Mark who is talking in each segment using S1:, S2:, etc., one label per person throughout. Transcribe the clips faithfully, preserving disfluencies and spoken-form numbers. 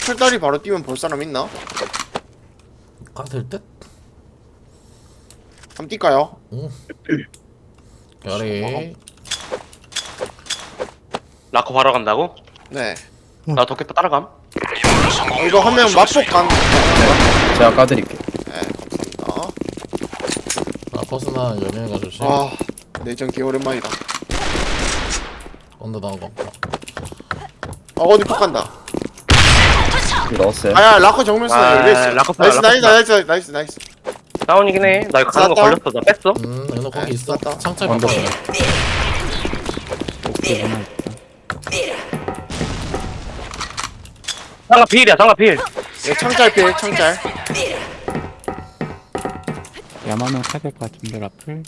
S1: 철다리 바로 뛰면 볼 사람 있나?
S2: 가될 듯?
S1: 한번 뛸까요?
S2: 응. 별이.
S3: 라커 바로 간다고?
S1: 네.
S3: 나 도깨비 따라감.
S1: 어, 이거 한 명 맛복 간.
S4: 제가 까드릴게요.
S1: 네, 감사합니다.
S2: 아 버스나 연예인가 조심.
S1: 아, 내전 개 오랜만이다.
S2: 언더 나온 거 없다.
S1: 아, 어디 폭 간다.
S4: 이거 넣었어요.
S1: 아야, 라커 정면 쓰나
S3: 아,
S1: 열려 있어.
S3: 라커
S1: 나이스,
S3: 라커
S1: 나이스, 나이스, 나이스, 나이스.
S3: 다운이긴 해. 나 이거 가는 거
S1: 쐈다?
S3: 걸렸어. 나 뺐어.
S2: 음 은호 거기
S1: 네,
S2: 있어.
S1: 맞다.
S2: 창짤
S4: 언더.
S2: 바꿔요.
S4: 오케이, 하나 있다.
S3: 상가 필이야. 상가 필.
S1: 예, 창짤 필, 창짤.
S5: 야마는 타야 될 것 같은데 라플.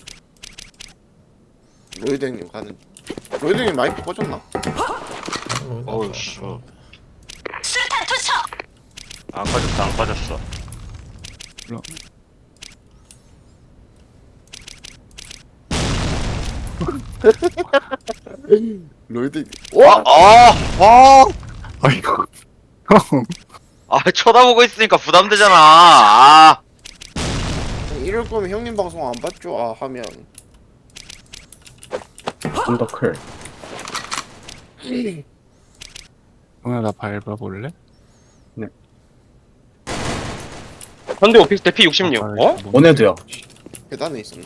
S1: 로이드 형님 가는. 로이드 형님 마이크 꺼졌나?
S3: 어우씨. 안 빠졌어. 안 빠졌어.
S5: 물론.
S1: 로이드.
S3: 와, 아, 아,
S5: 아이고.
S3: 아, 쳐다보고 있으니까 부담되잖아. 아,
S1: 이럴 거면 형님 방송 안 봤죠? 아, 하면.
S4: 좀더 클.
S5: 오늘 나 밟아볼래?
S3: 현대 오피스 대피 육십육. 어?
S4: 원해도요.
S1: 계단에 있었네.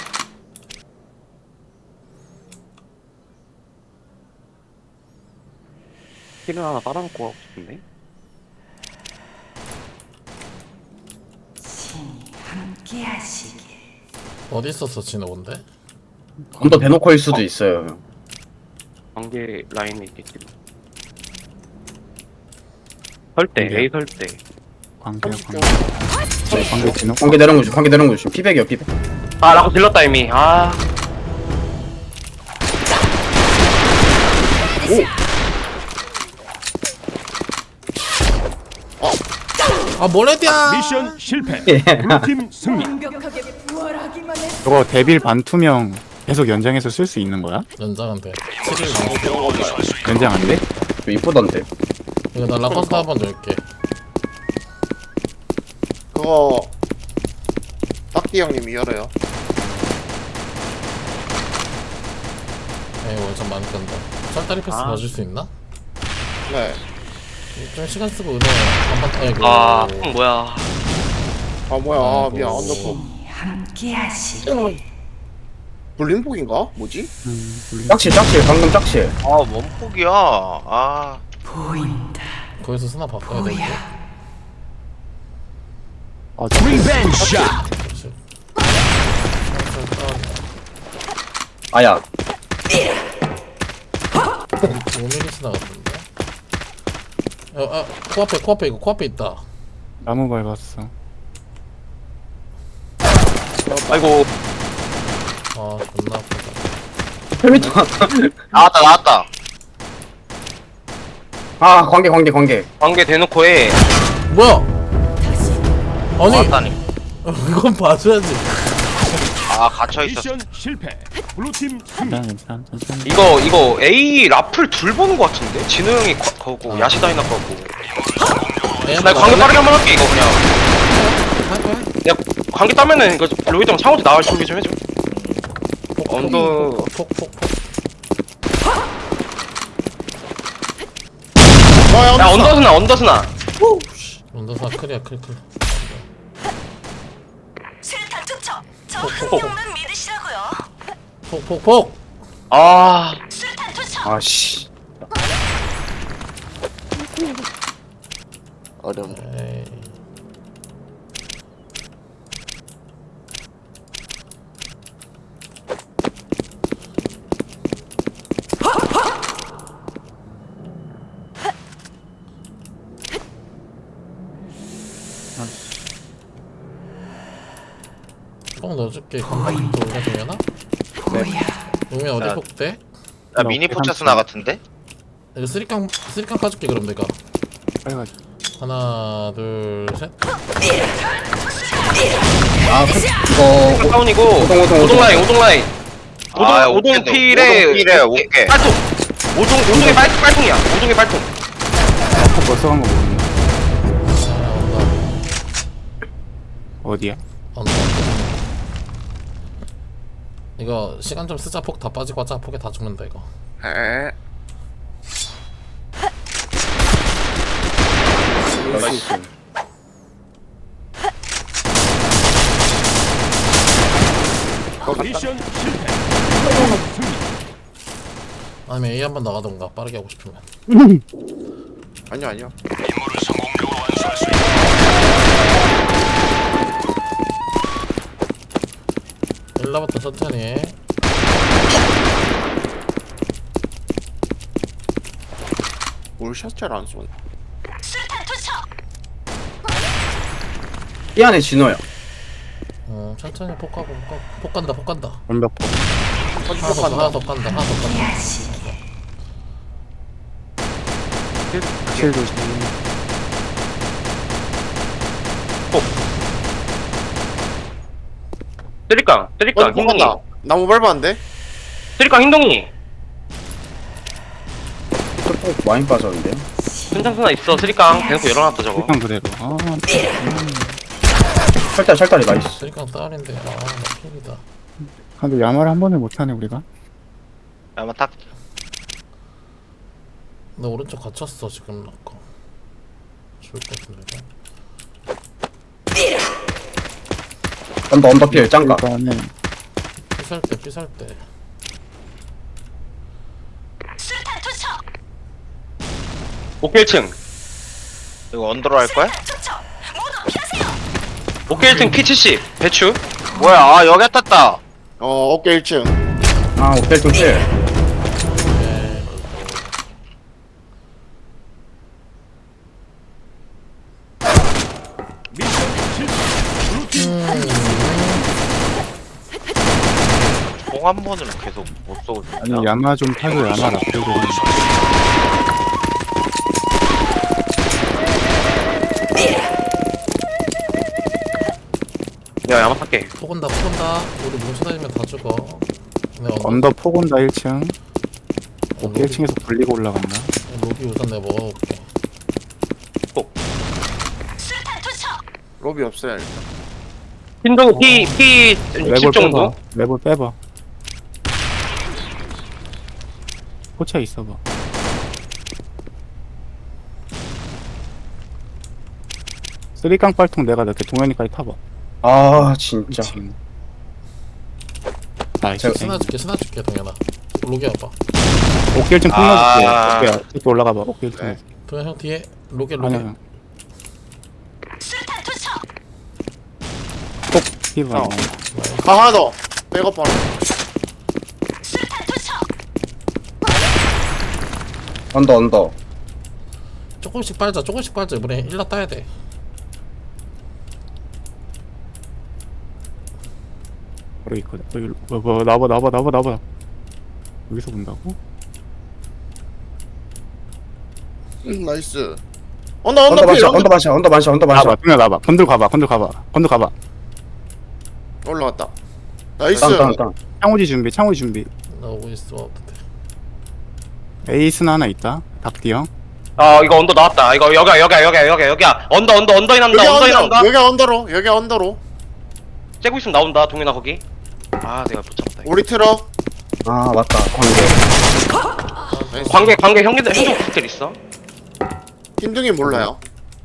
S3: 필을 하나 따라놓고 하고 싶은데.
S6: 함께하시길.
S2: 어디 있었어 진호 뭔데?
S4: 언더 대놓고일 수도 있어요.
S3: 관계 라인에 있겠지. 설대,
S5: 관계.
S3: A 설대.
S5: 관계
S1: 삼십 초.
S5: 관계. 관계 진호.
S4: 관계 내려온 거 좀, 관계 내려온 거 좀. 피백이요, 피백.
S3: 아, 라커 질렀다 이미. 아,
S2: 아 뭐래디야?
S7: 미션 실패.
S4: 예.
S7: 블루팀 승리.
S6: 완벽하게 부활하기만 해.
S5: 저거 데빌 반투명 계속 연장해서 쓸 수 있는 거야?
S2: 연장한테. 칠일 나오.
S5: 연장 안 돼?
S4: 좀 이쁘던데.
S2: 이거 나 라커스타 한번 넣을게.
S1: 그거 딱띠 형님이 열어요.
S2: 에이 월참 많이 끈다. 철다리 패스
S3: 아.
S2: 봐줄 수 있나?
S1: 네.
S2: 좀 시간 쓰고 은호 한번 아이고.
S3: 아, 형 뭐야.
S1: 아 뭐야? 아,
S2: 아이고.
S1: 미안. 언더포.
S6: 함께하시길.
S1: 불림폭인가? 뭐지?
S5: 음, 물론.
S4: 짝칠, 짝칠. 방금 짝칠.
S3: 아, 원폭이야. 아,
S6: 보인다.
S2: 거기서 스나 바꿔야 되는데.
S5: 어, 저
S7: 리벤지 샷.
S2: 그렇지.
S4: 아야.
S2: 오 밀리 스나 같은데. 어, 아 코앞에 코앞에 이거 코앞에 있다.
S5: 나무 밟았어.
S3: 아이고.
S2: 아 존나 아프다.
S4: 헬미터.
S3: 나왔다, 나왔다.
S4: 아, 관계, 관계, 관계.
S3: 관계 대놓고 해.
S2: 뭐야? 아니
S3: 나왔다니.
S2: 이건 봐줘야지.
S3: 아, 갇혀있었어.
S7: 미션 실패. 블루팀 승리.
S5: 괜찮아, 괜찮아, 천천히.
S3: 이거, 이거 A 라플 둘 보는 거 같은데? 진우 형이 거, 거고, 야시다이나 거고. 나 이거 관계 빠르게 한번 할게, 이거 그냥. 야, 관계 따면은 이거 로이드 형 상호도 나올 준비 좀 해줘. 언더.
S2: 폭폭폭.
S1: 아,
S3: 야, 언더스나, 언더스나.
S2: 언더사 클이야 클클.
S6: 실탄 투척. 저
S2: 폭,
S6: 한 명만 믿으시라고요.
S2: 폭폭폭.
S3: 아,
S6: 실탄 투척.
S4: 아, 씨.
S1: 어려운.
S2: 에이. 뽕 넣어줄게. 건강도 올려 동현아. 동현 어디
S3: 자.
S2: 폭대?
S3: 나 미니 포차스나 같은데?
S2: 이거 쓰리깡 쓰리깡 까줄게 그럼 내가.
S5: 빨리 가자.
S2: 하나 둘 셋.
S4: 아, 그, 이거.
S3: 다운이고,
S4: 오동, 오동,
S3: 오동
S4: 오동.
S3: 라인, 오동 라인. 오동,
S8: 아,
S3: 오동
S8: 오케이,
S3: 필에,
S8: 오동 필에 오케이.
S3: 빨통. 오동, 오동의 빨, 빨통이야. 오동의 빨통.
S5: 아까 벌써 간거 모르는데. 어디야?
S2: 언더. 이거 시간 좀 쓰자. 폭 다 빠지고 하자. 폭에 다 죽는다 이거.
S1: 에.
S4: 나이스.
S7: 미션 실패. 승리.
S2: 아니면 A 한번 나가던가 빠르게 하고 싶으면.
S1: 아니야 아니야.
S2: 일라부터 천천히 해.
S1: 뭘 샷잘 안 쏘네.
S6: 수류탄 투척.
S4: 이 안에 진호야.
S2: 어 천천히 폭 가고 폭, 가- 폭 간다 폭 간다.
S5: 완벽 폭.
S2: 하나 더 하나 더 간다 하나 더 간다.
S5: 실 조심.
S3: 쓰리깡 쓰리깡
S1: 어디
S3: 흰둥이
S1: 간다. 나무 밟았는데?
S3: 쓰리깡 흰둥이
S4: 또 많이 빠졌는데요?
S3: 순창순나 있어 쓰리깡 대놓고 열어놨다 저거
S5: 일단 그대로. 아,
S4: 철다리 철다리 나이스.
S2: 쓰리깡 딸인데 아나 필이다.
S5: 근데 야마를 한 번에 못하네 우리가.
S3: 아마 딱
S2: 나 오른쪽 갇혔어 지금 라커. 죽을 것 같은데.
S4: 언더 언더필 짱가.
S5: 일단은
S2: 삐살 때 삐살 때.
S6: 수류탄 투척.
S3: 오케이 일 층 이거 언더로 할 거야?
S6: 수류탄 투척. 모두 피하세요.
S3: 오케이 일 층 피 칠십 배추 뭐야 아 여기 떴다
S1: 어 어깨 일 층.
S4: 아 오펠 좀 필.
S7: 미션 실패. 블루팀
S3: 공 한 번은 계속 못 쏘고
S5: 아니 야마 좀 타고 야마 라플 좀.
S3: 야 야마 탈게
S2: 폭 온다 폭 온다. 우리 뭉쳐다니면 다 죽어. 네, 언더.
S5: 언더 폭 온다 일 층.
S2: 로비,
S5: 일 층에서 불리고 올라간다.
S2: 로비 우선 내가 먹어볼게.
S6: 수류탄 투척.
S1: 로비 없어요 일단.
S3: 흰둥이 피 피
S5: 레볼
S3: 육십 정도
S5: 빼봐. 레볼 빼봐. 포차 있어봐. 쓰리깡 빨통 내가 넣게 동현이까지 타봐.
S4: 아 진짜.
S5: 지금. 나이스.
S4: 제가-
S2: 스나 줄게 스나 줄게 동현아. 로기 와봐.
S5: 오케이 층
S3: 아.
S5: 끝나줄게. 오케이 이렇게 올라가봐. 오케이 층.
S1: 네.
S2: 동현 형 뒤에 로게 로게.
S5: 아니야.
S6: 수류탄 투척.
S5: 꼭 피가.
S1: 어. 아 하나 더. 백업 하나.
S6: 수류탄 투척.
S4: 언더 언더.
S2: 조금씩 빨자 조금씩 빨자. 이번에 일라 따야 돼.
S5: 바로 있거든. 여기 뭐, 뭐 나봐 나봐 나봐 나봐. 여기서 본다고?
S1: 음, 나이스. 언더 언더
S4: 언더
S1: 필.
S4: 반샷
S1: 언더
S4: 언더 반샷 언더 반샷 언더
S5: 나봐.
S4: 반샷.
S5: 그냥 나봐. 건들 가봐. 건들 가봐. 건들 가봐.
S1: 올라갔다. 나이스.
S4: 땅땅땅.
S5: 창호지 준비. 창호지 준비.
S2: 나 오고 있어. 어떡해.
S5: 에이스는 하나 있다. 닭띠 형.
S3: 아 이거 언더 나왔다 이거 여기야 여기야 여기야 여기야 여기야 언더 언더 언더인
S1: 여기
S3: 한다 언더인
S1: 언더.
S3: 한다
S1: 여기 언더로. 여기 언더로.
S3: 째고 있으면 나온다 동현아 거기 아 내가 못 잡았다 이거.
S1: 우리 트럭.
S4: 아 맞다 관계.
S1: 나이스.
S3: 관계 관계 형님들 행동 스킬 있어
S1: 흰둥이 몰라요.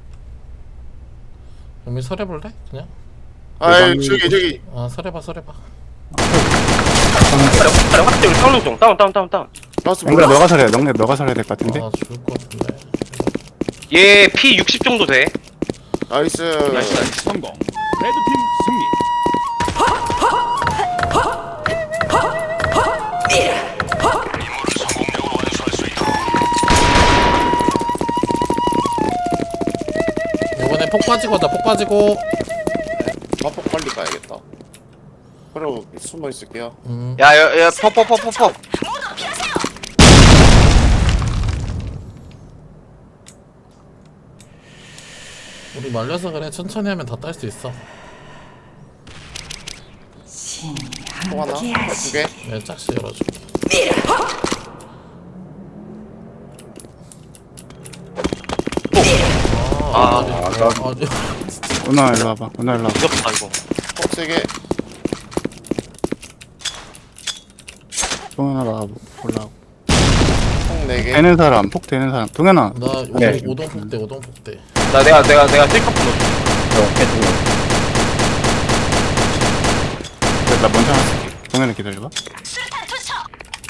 S2: 영민 설해볼래? 그냥?
S1: 아이
S5: 대박이-
S1: 저기 저기.
S2: 아 설해봐 설해봐.
S3: 그래 그래 확대 우리 싸우는 중 다운 다운 다운 다운
S1: 라스
S5: 영근아
S1: 몰라.
S5: 너가 살해. 영근아 너가 살해야 될 것 같은데.
S2: 아 죽을 것 같은데.
S3: 얘 피 육십 정도 돼
S1: 나이스.
S3: 나이스 나이스
S7: 성공. 레드팀 승리.
S2: 이번에 폭 빠지고 하자 폭 빠지고.
S1: 마포 빨리 가야겠다. 그리고 숨어 있을게요.
S2: 음.
S3: 야야야 퍼퍼퍼퍼퍼
S6: 모두 피하세요.
S2: 우리 말려서 그래. 천천히 하면 다 딸 수 있어.
S1: 또 하나. 두 개.
S2: 내가 짝씩 열어줄게.
S3: 아,
S2: 아, 아, 아, 아,
S5: 오나 일로 와봐. 오나 일로 와봐.
S3: 무섭다 이거.
S1: 퍽세게.
S5: 동현아 나 올라오고.
S1: 총 네 개.
S5: 되는 사람, 폭 되는 사람. 동현아.
S2: 나 오동
S4: 네.
S2: 오동 폭대 오동 폭대.
S3: 나 내가 내가 내가 셀카폰 넣어줄게.
S4: 저 어깨 좀.
S5: 나 먼저 하나 쓸게. 동현아 기다려봐.
S6: 수류탄 투척.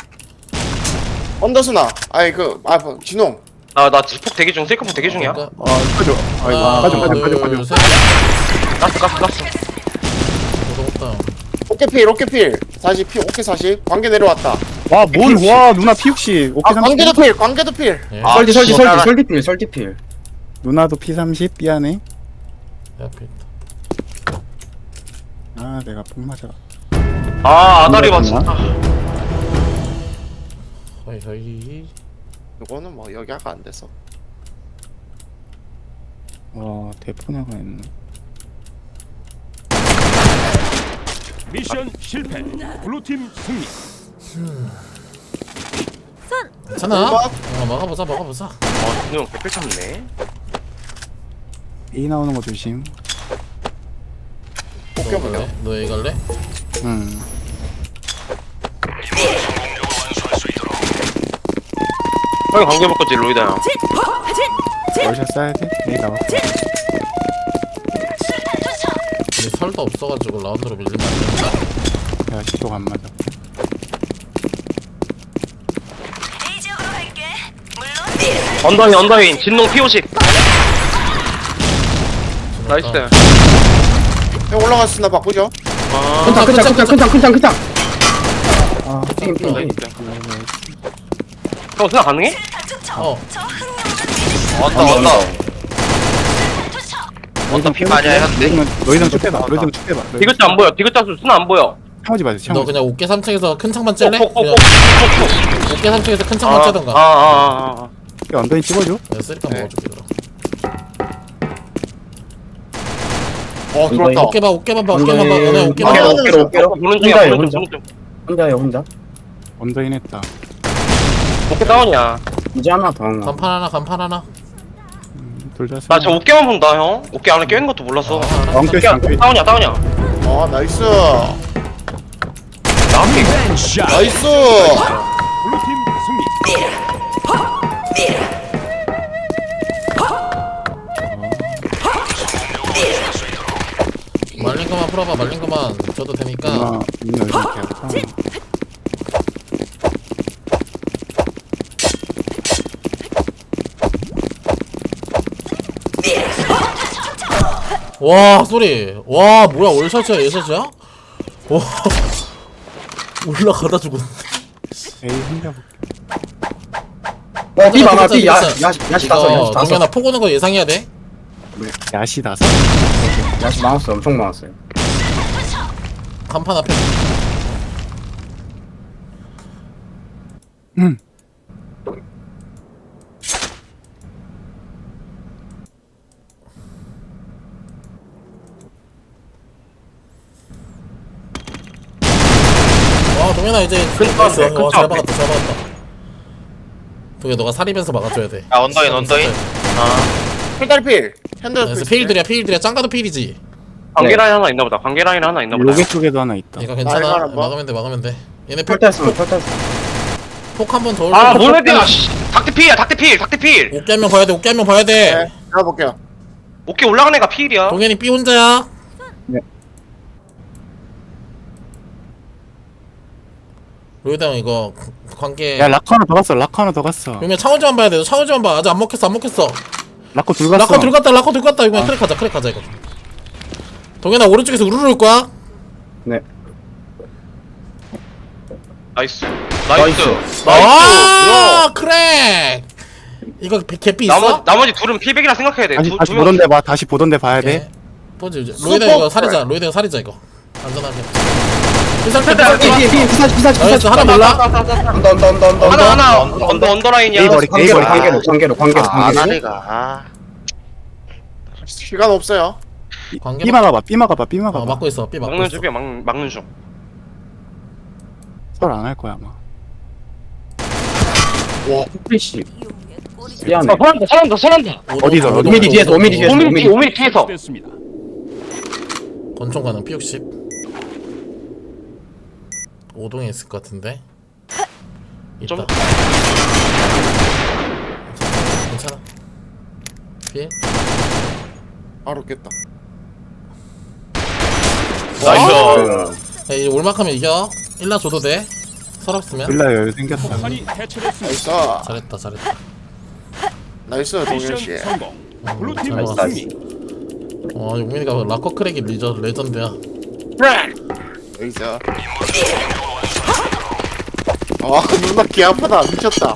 S1: 언더스나. 아이 그, 아, 뭐, 진홍.
S3: 나나 지폭 대기 중 셀카폰 대기 중이야.
S2: 그러니까
S5: 아, 빠져. 아이고,
S2: 하나,
S5: 빠져, 빠져, 빠져,
S2: 둘,
S5: 빠져.
S2: 셋.
S3: 가스 가스 가스.
S2: 오동 다운.
S1: 오케필, 오케필. 사십, 피, 오케 사십. 관계 내려왔다.
S5: 와, 뭔, 와, 누나 피 육십. 오케이,
S1: 아, 관계도 필, 관계도 필.
S2: 예.
S3: 아,
S4: 설디 설디
S3: 진짜.
S4: 설디 설디필 설디필.
S5: 누나도 피 삼십. 미안해.
S2: 내 앞에 있다.
S5: 아, 내가 폭 맞아.
S3: 아 아다리 봐
S5: 누나?
S3: 진짜.
S2: 허이 허이.
S1: 이거는 뭐 여기 아까 안 돼서.
S5: 와, 대포나가 있네.
S7: 미션 실패. 블루팀 승리.
S2: 괜찮아.
S1: 음악?
S2: 어, 막아보자 막아보자.
S3: 아 진우 형 개필 쳤네.
S5: A 나오는 거 조심.
S2: 너
S1: 오케이,
S2: 갈래? 너 A 갈래?
S5: 응.
S3: 형이 관계 볼 거지 로이다 형.
S5: 월샷 쏴야 돼? A 나와.
S6: 수류탄 투척.
S2: 근데 설도 없어가지고 라운드로 밀리면 안 된다.
S5: 야, 시도가 안 맞아.
S6: A 지역으로 갈게. 물론
S3: 언더인 언더인 진농 피오십. 나이스.
S1: 형 올라갔으나 바꾸죠.
S3: 아
S4: 큰창 큰창 큰창 큰창 큰창 큰창. 아 게임 게임 게임.
S3: 나이스. 형 생각 가능해?
S6: 수류탄 투척.
S2: 어.
S6: 저 흥룡은
S3: 왔다 왔다.
S6: 수류탄 투척.
S3: 언더 피 많이 했는데.
S5: 너희들 쭉 빼봐. 너희들 쭉 빼봐.
S3: 디귿자 안 보여. 디귿자 수 수는 안 보여.
S5: 창호지 마세요.
S2: 너
S5: 창호지.
S2: 그냥 어깨 삼 층에서 큰 창만 찔래?
S3: 어, 어, 어,
S2: 그냥
S3: 어, 어,
S2: 어깨 삼 층에서 큰
S3: 어.
S2: 창만 째던가.
S3: 아, 아, 아, 아.
S5: 야, 언더인 찍어줘.
S2: 내가 쓰리카
S1: 네.
S2: 먹어줄게 그럼.
S1: 어, 들어왔다.
S2: 어깨 봐 어깨만 봐 어깨만 봐.
S4: 언더인.
S2: 너네 어깨 봐.
S1: 아,
S4: 어깨로 어깨로 어깨로.
S3: 보는 중이야
S4: 혼자예요
S3: 보는
S4: 혼자.
S3: 중 보는 중.
S4: 혼자예요 혼자.
S5: 언더인 했다.
S3: 어깨 다운이야.
S4: 이제 하나 더 한 거.
S2: 간판 하나 간판 하나.
S5: 둘 다.
S3: 나 저 어깨만 본다 형. 어깨 안에 껴있는 것도 몰랐어.
S2: 아, 알았어.
S5: 엉켜
S3: 어깨
S5: 있어. 엉켜 있어.
S3: 다운이야 다운이야.
S1: 아, 나이스.
S7: 샷.
S1: 나이스.
S7: 블루팀 승리.
S2: 말린 거만 풀어봐 말린 거만 줘도 되니까.
S5: 누나, 누나 이렇게 해서.
S2: 와 소리. 와 뭐야 월샷이야 예샷이야? 와 올라가다 죽었네.
S5: A 혼자 볼게.
S4: 어, 비 많아,
S2: 진짜,
S4: 비, 야,
S2: 진짜.
S4: 야, 야시 다섯,
S2: 이거
S4: 야시 다섯.
S2: 동현아 폭 오는 거 예상해야 돼.
S5: 왜? 야시 나서?
S4: 야시 많았어, 엄청 많았어요.
S2: 간판 앞에.
S5: 응.
S2: 와 동현아 이제
S3: 큰
S2: 나이스.
S3: 차 앞에, 큰
S2: 와,
S3: 차
S2: 잘
S3: 앞에.
S2: 막았다 잘 막았다. 동현 너가 살이면서 막아줘야 돼.
S3: 아 언더인 언더인. 아
S1: 필달필. 핸들
S2: 그래서 페일들이야 페일들이야 짱가도 페일이지.
S3: 관계 라인 하나 있나 보다. 관계 라인 하나 있나 보다.
S5: 요게 쪽에도 하나 있다.
S2: 이거
S1: 아,
S2: 괜찮아.
S1: 이거 한번.
S2: 막으면 돼 막으면 돼. 얘네
S4: 펼쳤으면 펼쳤어.
S2: 폭 한 번 더 올려.
S3: 아 몰래대야. 닥트필이야 닥트필 닥트필.
S2: 어깨 한 명 봐야 돼 어깨 한 명 봐야 돼.
S1: 네, 제가 볼게요.
S3: 어깨 올라간 애가 필이야.
S2: 동현이 B 혼자야.
S4: 네.
S2: 로이드 형 이거 관계.
S5: 야, 라커 하나 더 갔어. 라커 하나 더 갔어.
S2: 그러면 창호지만 봐야 돼. 너 창호지만 봐. 아직 안 먹혔어 안 먹혔어.
S5: 라커 둘 갔어.
S2: 라커 들어갔다 라커 들어갔다 이거 크랙 하자 크랙 하자 이거. 동현아 오른쪽에서 우르르 올 거야.
S4: 네.
S3: 나이스. 나이스.
S2: 아
S3: 나이스.
S2: 크랙. 이거 개- 개삐 있어?
S3: 나머지 나머지 둘은 필백이라 생각해야 돼.
S5: 다시,
S3: 두,
S5: 다시
S3: 두 명.
S5: 보던 데 봐. 다시 보던 데 봐야 돼.
S2: 뭐지 이제 로이드 형 이거 살이자 로이드 형 살이자 이거 안전하게. 이 상태
S3: 네,
S4: 비, 비, 비, 비사지, 비사지, 비사지.
S2: 나이스 하나 몰라.
S4: 언더, 언더, 언더, 언더.
S3: 하나 하나 언더 언더 라인이야.
S5: A 버리, A
S4: 관계로,
S5: 버리.
S4: 관계로, 관계로, 관계로, 관계로.
S1: 시간 없어요.
S2: 관계
S5: B 막아봐. B 막아봐. B
S2: 어
S5: 막아봐.
S2: 막고 있어 B 막고
S3: 막는
S2: 있어.
S3: 중이야 막 막는 중.
S5: 설 안 할 거야 아마.
S1: 와,
S4: 씨. 미안해.
S3: 아, 사람다 사람다 사람다.
S5: 어디서?
S2: 오동,
S5: 어디?
S4: 오 미리
S2: 오동,
S4: 뒤에서,
S2: 오동,
S4: 오 미리 뒤에서.
S3: 오밀
S4: 오밀.
S3: 뒤 오밀 뒤에서.
S7: 됐습니다.
S2: 권총 가능 피 육십. 오동에 있을 것 같은데. 있다.
S3: 좀-
S2: 괜찮아. 피해.
S1: 바로 깼다.
S3: 나이스.
S2: 야, 이제 올막하면 이겨. 일라 줘도 돼. 서럽으면.
S5: 빌라 여유 생겼어.
S7: 폭탄이 해체됐습니다.
S1: 나이스.
S2: 잘했다 잘했다.
S1: 나이스 동현 씨.
S7: 미션 성공. 블루팀
S2: 잘 먹었어.
S7: 승리.
S2: 어 용민이가 락커 크랙이 리저 레전드야.
S1: 나이스. 아 누나 귀 아프다 미쳤다.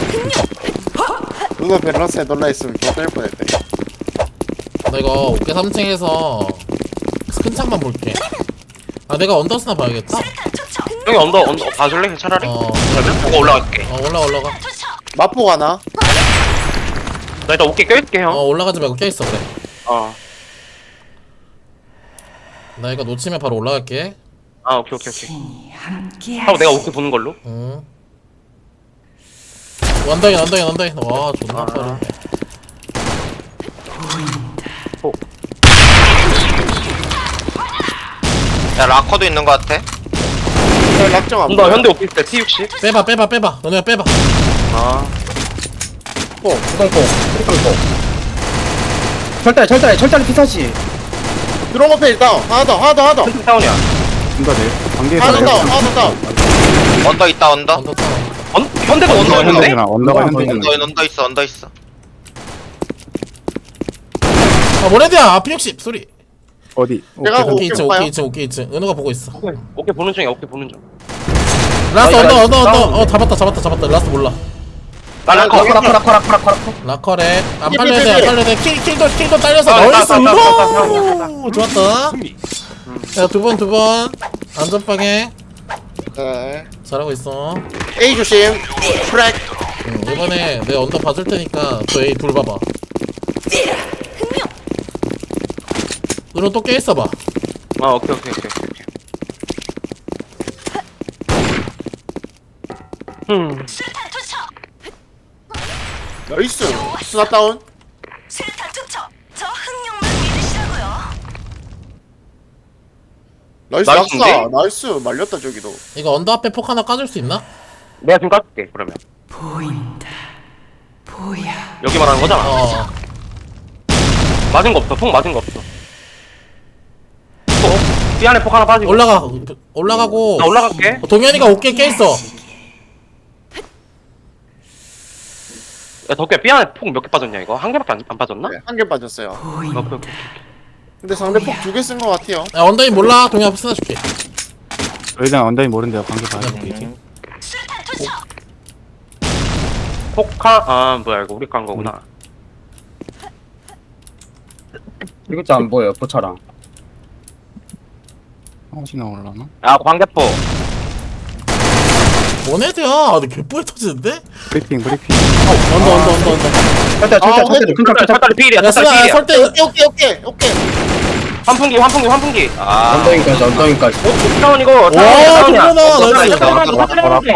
S1: 누나 밸런스에 놀라있으면 개떨 뻔했대.
S2: 나 이거 어깨 삼 층에서 큰 창만 볼게. 아 내가 언더스나 봐야겠다.
S3: 형이 언더 언더 봐줄래 차라리?
S2: 어,
S3: 그러면 보고 올라갈게.
S2: 어 올라 올라가.
S1: 마포 가나?
S3: 나 일단 어깨 껴있게
S2: 어
S3: 형.
S2: 올라가지 말고 껴있어 그래.
S3: 어.
S2: 나 이거 놓치면 바로 올라갈게.
S3: 아 오케이 오케이 오케이. 하고 내가 어깨 보는 걸로.
S2: 응. 원더인 원더인 원더인. 와 존나
S3: 아.
S2: 빠르네.
S8: 야 라커도 있는 것 같아.
S1: 야, 낙정 안
S3: 언더
S1: 보여.
S3: 현대 오피스 때 피 육십.
S2: 빼봐 빼봐 빼봐. 너네가 빼봐.
S3: 아.
S4: 포 구동포 트리플포 철다리 철다리 철다리 피사시
S1: 드론 오페 일단 하나 더 하나 더 하나 더
S3: 큰 다운이야.
S5: 뭔가 내 관계에서
S1: 하나 더 하나 더.
S8: 언더 있다 언더.
S2: 언더 타워.
S3: 언 현대도 언더였는데?
S5: 현대구나. 언더가 현대구나.
S8: 언더 언더 있어 언더 있어.
S2: 아 모레드야. 피 육십 소리.
S5: 어디?
S1: 내가
S5: 오케이.
S2: 오케이 이층
S1: 봐요.
S2: 오케이 이층 오케이 이층. 은우가 보고 있어.
S3: 어깨 보는 중이야 어깨 보는 중.
S2: 라스트
S3: 아,
S2: 언더
S3: 야,
S2: 언더 언더.
S3: 다운.
S2: 어 잡았다 잡았다 잡았다. 라스트 몰라.
S3: 나 라커.
S1: 거기-
S4: 라커 라커 라커 라커 라커
S2: 라커랩 안
S1: 삐,
S2: 빨려야
S1: 삐,
S2: 돼, 안
S1: 삐.
S2: 빨려야 돼. 킬, 킬도, 킬도 딸려서
S3: 아,
S2: 나이스.
S3: 따, 따, 따, 따, 따,
S2: 우! 좋았다.
S7: 승리.
S2: 야, 두 번, 두 번. 안전빵에.
S1: 네.
S2: 잘하고 있어.
S1: A 조심. 트랙.
S2: 응, 이번에 내 언더 봐줄 테니까 저 A 둘 봐봐. 은호 또 깨있어봐.
S3: 아 오케이 오케이 오케이 오케이. 음.
S6: 수류탄 투척.
S1: 나이스. 스나 다운.
S6: 수류탄 투척. 저 흥룡만 믿으시라고요.
S1: 나이스
S3: 나이스인데?
S1: 낙사. 나이스 말렸다 저기도.
S2: 이거 언더 앞에 폭 하나 까줄 수 있나?
S3: 내가 지금 깎을게 그러면.
S6: 보인다. 보여.
S3: 여기 말하는 거잖아.
S2: 어.
S3: 맞은 거 없어. 폭 맞은 거 없어. 폭. 삐 안에 폭 하나 빠지고.
S2: 올라가. 올라가고.
S3: 나 올라갈게.
S2: 어, 동현이가 어깨 깨있어.
S3: 야 덕구야 삐 안에 폭 몇 개 빠졌냐 이거? 한 개밖에 안, 안 빠졌나?
S1: 네, 한 개 빠졌어요.
S3: 오케이 오케이 오케이.
S1: 근데 상대 폭 두 개 쓴 것 같아요.
S2: 야, 언더인 몰라. 동현 앞에 쓰나 줄게.
S5: 일단 언더인 모른대요. 관계 봐야 돼.
S6: 수류탄 투척.
S3: 폭하 아 뭐야 이거 우리 깐 거구나.
S4: 이거 진짜 안 보여 포차랑
S5: 혹시 나올라나?
S3: 아 광대포.
S2: 모네드야. 아, 근데 개뿌에 터지는데?
S5: 브리핑 브리핑.
S2: 언더, 언더, 언더, 언더.
S4: 철다리 철다리
S1: 아,
S4: 철다리 큰창
S3: 철다리 철다리 필이야.
S2: 야,
S3: 철다리
S2: 쓰나,
S3: 필이야.
S2: 설대.
S1: 오케이 오케이 오케이 오케이.
S3: 환풍기 환풍기 환풍기. 아.
S4: 언더인까지 언더인까지
S3: 어 차원 이거.
S2: 와, 동현아, 나이스.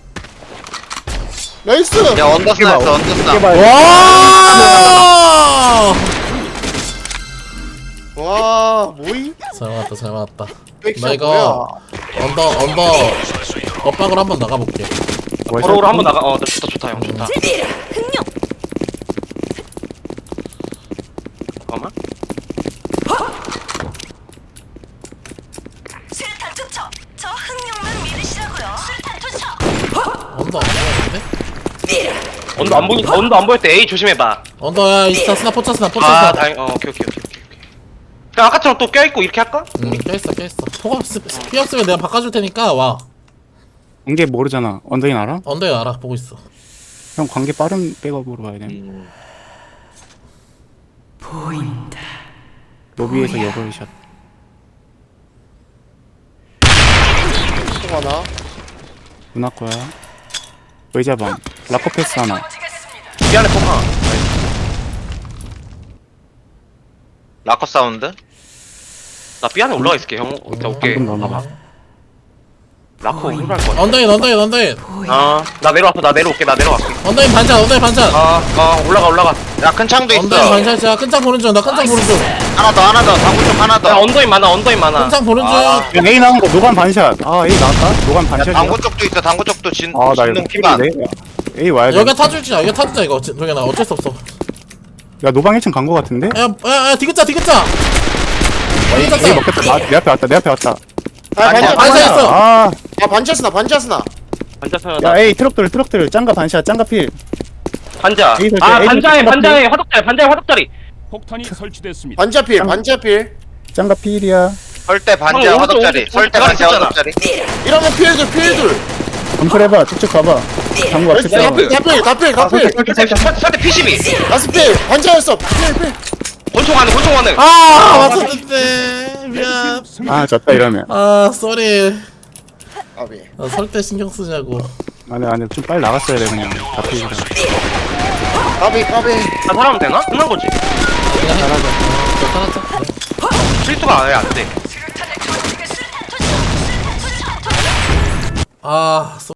S1: 나이스.
S8: 야 언더 스나였어 언더 스나.
S2: 와!
S1: 와 뭐이?
S2: 잘 맞았다, 잘 맞았다.
S1: 백샷
S2: 나 이거
S1: 뭐야?
S2: 언더, 언더 엇박으로 한번 나가볼게.
S3: 버로우로 한번 나가. 어 좋다 좋다 형 좋다.
S6: 흥룡.
S3: 잠깐만.
S6: 수류탄 투척. 저 흥룡만 믿으시라고요. 수류탄 투척.
S2: 언더 안 보이는데?
S3: 언더 안 보이 언더 안 보일 때 A 조심해봐.
S2: 언더야, 이스타 스나, 포차 스나, 포차
S3: 아
S2: 스나.
S3: 다행. 어 오케이 오케이 오케이 오케이. 그냥 아까처럼 또 껴있고 이렇게 할까?
S2: 응, 껴있어, 껴있어. 포가 없- 피 없으면 내가 바꿔줄 테니까 와.
S5: 관계 모르잖아. 언더인 알아?
S2: 언더에 알아, 보고 있어.
S5: 형 관계 빠른 백업으로 가야 돼.
S6: 보인다.
S5: 로비에서 여벌샷.
S1: 또 하나.
S5: 누나 거야. 의자방. 라커 패스 하나.
S3: 삐 안에 폭 하나.
S8: 라커 사운드.
S3: 나 삐 안에 올라가 있을게 형. 일단 올게.
S5: 방금 넘어가.
S3: 라커 올라갈 거야.
S2: 언더인, 언더인, 언더인.
S3: 아나 내려왔어 나 내려올게 나 내려갈게.
S2: 언더인 반찬, 언더인 반찬.
S3: 아아 올라가 올라가.
S8: 야 큰 창도
S2: 언더인
S8: 있어.
S2: 반샷이야. 큰창 보는 중. 나 큰창 보는 중.
S8: 하나 더 하나 더 당구 쪽 하나
S3: 야
S8: 더.
S3: 언더인 많아 언더인 많아.
S2: 큰창 보는 중.
S8: 아.
S5: 야 A 나온 거 노간 반샷. 아 A 나왔다. 노간
S8: 야,
S5: 반샷이야.
S8: 당구 쪽도 있어. 당구 쪽도 진
S5: 아나 이거
S8: 진동 피반.
S5: 필인데. A 와야 돼.
S2: 여기가 타줄지야. 여기가 타주자 이거. 동현아 어쩔 수 없어.
S5: 야 노방 일 층 간 거 같은데?
S2: 야야야 디귿자 디귿자. 디귿자.
S5: A 먹겠다. 나, 내 앞에 왔다. 내 앞에 왔다.
S1: 아 반샷
S2: 반샷
S1: 반샷.
S2: 있어.
S5: 아,
S1: 아 반샷스나 반샷스나.
S3: 반자
S5: 야
S3: 서야다.
S5: A 트럭들 트럭들 짱가 반샷 짱가 필.
S3: 반자.
S5: 에이,
S3: 아
S5: 에이,
S3: 반자에
S5: 에이,
S3: 반자에 화덕자리 반자에 화덕자리.
S7: 폭탄이 설치됐습니다.
S1: 반자필 반자필.
S5: 짱가 필이야.
S8: 설대 반지
S3: 형,
S8: 화덕자리.
S3: 오른쪽,
S8: 설대
S3: 오른쪽
S8: 반지
S3: 있잖아.
S8: 화덕자리.
S1: 이러면 필들 필들.
S5: 검출해봐. 쭉쭉 가봐. 당구 앞에
S1: 다필
S5: 싸워.
S1: 다필 다필 다필.
S3: 설대 피십이.
S1: 다섯 필 반자였어. 필 필.
S3: 권총 하는 권총 하는.
S2: 아 맞췄는데 미안.
S7: 승리.
S5: 아 졌다 이러면.
S2: 아 쏘리.
S1: 아비.
S2: 아, 설때 신경 쓰냐고.
S5: 아니 아니 좀 빨리 나갔어야 돼 그냥. 다 필이라.
S1: 까비 까비.
S3: 나 사람 되나? 끝난 거지.
S2: 그냥 잘하자. 어, 잘하자.
S3: 실수가 아예 안 돼.
S2: 아